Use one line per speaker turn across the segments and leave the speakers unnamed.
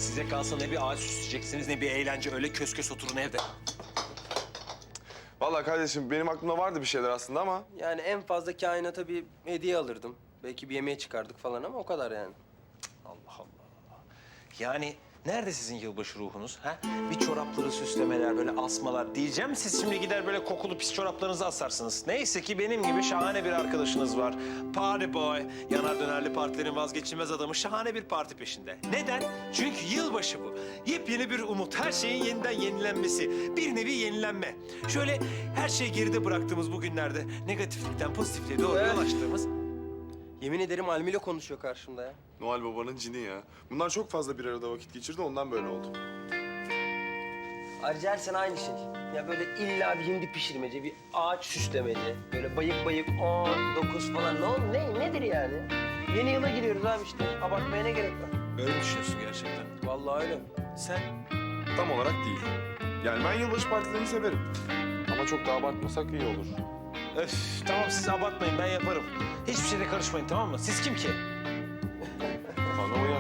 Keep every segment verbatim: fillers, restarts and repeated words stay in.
Size kalsa ne bir ağaç süsleyeceksiniz ne bir eğlence. Öyle kös kös oturun evde.
Vallahi kardeşim benim aklımda vardı bir şeyler aslında ama...
Yani en fazla kainata bir hediye alırdım. Belki bir yemeğe çıkardık falan ama o kadar yani.
Allah Allah. Yani nerede sizin yılbaşı ruhunuz? Ha? Bir çorapları süslemeler, böyle asmalar diyeceğim. Siz şimdi gider böyle kokulu pis çoraplarınızı asarsınız. Neyse ki benim gibi şahane bir arkadaşınız var. Party boy, yanar dönerli partilerin vazgeçilmez adamı şahane bir parti peşinde. Neden? Çünkü yılbaşı bu. Yepyeni bir umut, her şeyin yeniden yenilenmesi. Bir nevi yenilenme. Şöyle her şeyi geride bıraktığımız bu günlerde negatiflikten pozitifliğe doğru
Evet.
yol açtığımız...
Yemin ederim Almilo konuşuyor karşımda ya.
Noel Baba'nın cini ya. Bunlar çok fazla bir arada vakit geçirdi ondan böyle oldu.
Ayrıca her sene aynı şey. Ya böyle illa bir hindi pişirmece, bir ağaç süslemece. Böyle bayık bayık on, dokuz falan. Ne oldu? Ne, nedir yani? Yeni yıla giriyoruz abi işte. Abartmaya ne gerek var?
Öyle mi düşünüyorsun gerçekten?
Vallahi öyle.
Sen?
Tam olarak değil. Yani ben yılbaşı partilerini severim. Ama çok da abartmasak iyi olur.
Öf, tamam siz abartmayın, ben yaparım. Hiçbir şeyde karışmayın, tamam mı? Siz kim ki?
Bana uyar.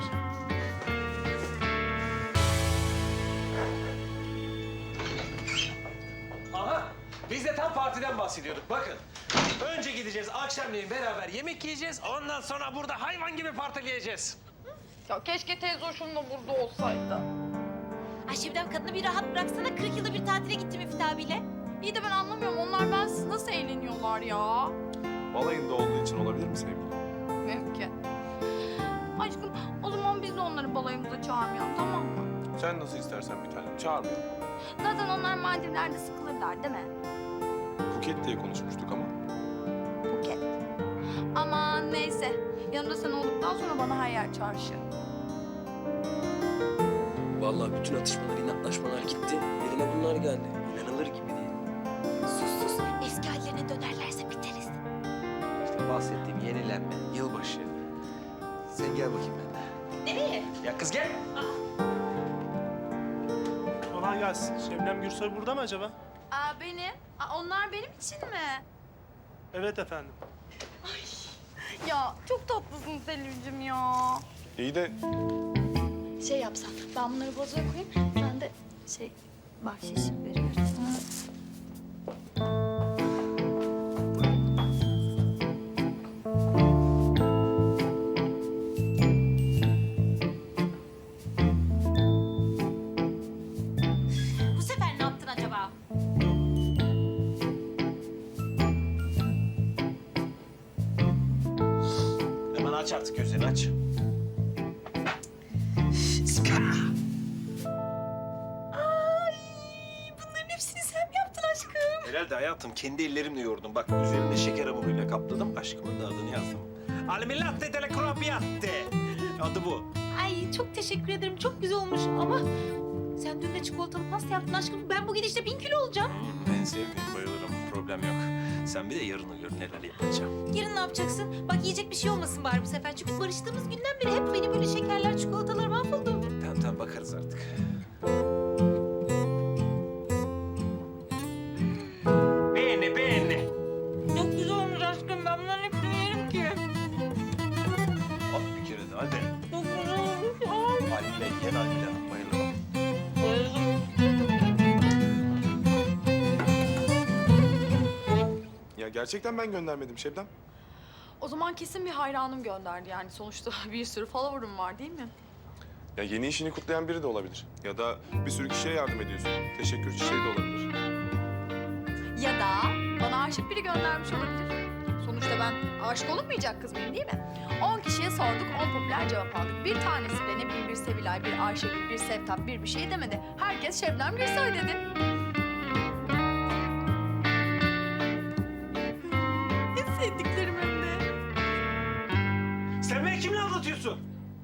Aha, biz de tam partiden bahsediyorduk. Bakın, önce gideceğiz, akşamleyin beraber yemek yiyeceğiz. Ondan sonra burada hayvan gibi partileyeceğiz.
Ya keşke teyze hoşum da burada olsaydı.
Ay Şebnem kadını bir rahat bıraksana. kırk yılda bir tatile gittim Müfit abiyle.
İyi de ben anlamıyorum. Onlar bensiz nasıl eğleniyorlar ya?
Balayında olduğu için olabilir mi sevgilim?
Mümkün. Aşkım o zaman biz de onları balayımıza çağırmayalım, tamam mı?
Sen nasıl istersen bir tanem. Çağırmayalım.
Zaten onlar Maldivler'de sıkılırlar değil mi?
Buket diye konuşmuştuk ama.
Buket. Aman neyse. Yanımda sen olduktan sonra bana her yer çarşı.
Vallahi bütün atışmalar, inatlaşmalar gitti. Yerine bunlar geldi. İnanılır gibi değil.
Sus sus. Eski hallerine dönerlerse biteriz.
İşte bahsettiğim yenilenme, yılbaşı. Sen gel bakayım benimle.
Nereye?
Ya kız gel.
Kolay gelsin. Şebnem Gürsoy burada mı acaba?
Aa benim. Aa, onlar benim için mi?
Evet efendim.
Ya çok tatlısın Selim'cim ya.
İyi de
Şey yapsam, ben bunları bozuya koyayım. Sen de şey, bahşiş veriyorsun.
Bu sefer ne yaptın acaba?
Hemen aç artık gözlerini, aç.
Ay bunların hepsini sen mi yaptın aşkım?
Herhalde hayatım, kendi ellerimle yoğurdum. Bak üzerinde şeker hamuruyla kapladım, aşkımın da adını yazdım. Almilatte delle cropiatte. Adı bu.
Ay çok teşekkür ederim. Çok güzel olmuş ama sen dün de çikolatalı pasta yaptın aşkım. Ben bu gidişle bin kilo olacağım.
Hmm, en sevdiğim, bayılırım. Problem yok. Sen bir de yarını gör neler yapacağım.
Yarın ne yapacaksın? Bak yiyecek bir şey olmasın bari bu sefer. Çünkü barıştığımız günden beri hep benim böyle şekerler, çikolatalar mahvoldu.
Tamam tamam bakarız artık. Beğeni beğeni.
Çok güzel olmuş aşkım. Ben bunların hepsini yerim ki.
At bir kere de hadi.
Çok güzel olmuş. Ay.
Almile yen Almile. Bayılırım.
ya gerçekten ben göndermedim Şebnem.
O zaman kesin bir hayranım gönderdi yani. Sonuçta bir sürü follower'ım var değil mi?
Ya yeni işini kutlayan biri de olabilir. Ya da bir sürü kişiye yardım ediyorsun. Teşekkür çiçeği de olabilir.
Ya da bana aşık biri göndermiş olabilir. Sonuçta ben aşık olunmayacak kız mıyım değil mi? On kişiye sorduk, on popüler cevap aldık. Bir tanesi de ne bileyim bir Sevilay, bir Ayşegül, bir Sevtap, bir bir şey demedi. Herkes Şebnem Gürsoy dedi. En sevdiklerim hem de.
Sen beni kimle aldatıyorsun?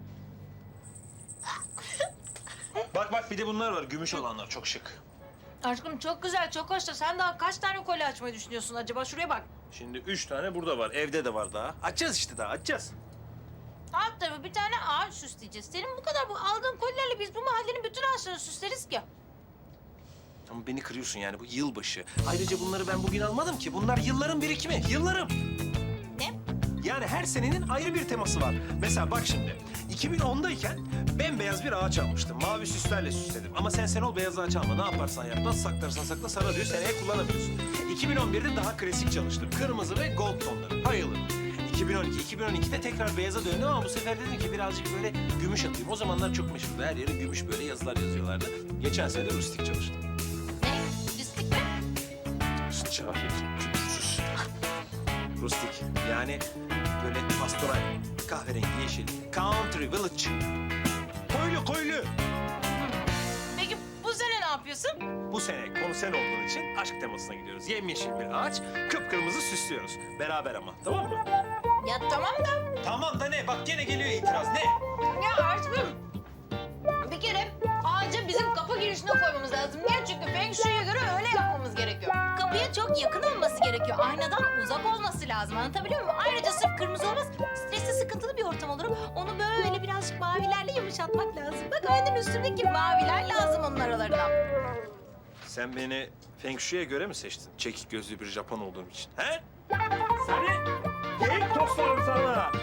Bak bak bir de bunlar var. Gümüş olanlar çok şık.
Aşkım çok güzel, çok hoş da sen daha kaç tane kolye açmayı düşünüyorsun acaba? Şuraya bak.
Şimdi üç tane burada var. Evde de var daha. Açacağız işte daha açacağız.
Alt tarafı bir tane ağaç süsleyeceğiz. Senin bu kadar bu aldığın kolyelerle biz bu mahallenin bütün ağaçlarını süsleriz ki.
Ama beni kırıyorsun yani bu yılbaşı. Ayrıca bunları ben bugün almadım ki. Bunlar yılların birikimi. Yıllarım.
Ne?
Yani her senenin ayrı bir teması var. Mesela bak şimdi. iki bin ondayken bembeyaz bir ağaç almıştım. Mavi süslerle süsledim. Ama sen sen ol beyaz ağaç alma. Ne yaparsan yap, nasıl saklarsan sakla sana diyor. Seneye kullanamıyorsun. iki bin on birde daha klasik çalıştım. Kırmızı ve gold tonları. Bayılırım. iki bin on iki, iki bin on ikide tekrar beyaza döndüm ama bu sefer dedim ki birazcık böyle gümüş atayım. O zamanlar çok meşhurdu. Her yere gümüş böyle yazılar yazıyorlardı. Geçen sene de rustik çalıştım.
Ne? Distik mi?
Cahil, kültürsüz. Rustik. Yani böyle pastoral, kahverengi, yeşil, country, village. Koylu, koylu.
Peki bu sene ne yapıyorsun?
Bu sene konu sen olduğun için aşk temasına gidiyoruz. Yemyeşil bir ağaç, kıpkırmızı süslüyoruz. Beraber ama, tamam mı?
Ya tamam da.
Tamam da ne? Bak gene geliyor itiraz. Ne?
Ya aşkım. Bir kere ağacı bizim kapı girişine koymamız lazım. Niye? Çünkü Feng Shui'ye göre öyle yapmamız gerekiyor. Kapıya çok yakın olması gerekiyor. Aynadan uzak olması lazım. Anlatabiliyor muyum? Ayrıca sırf kırmızı olmaz. Stresli, sıkıntılı bir ortam olur. Onu böyle birazcık mavilerle yumuşatmak lazım. Bak aynen üstündeki maviler lazım onun aralarına.
Sen beni Feng Shui'ye göre mi seçtin? Çekik gözlü bir Japon olduğum için. He? Seni geyik toslarım sana.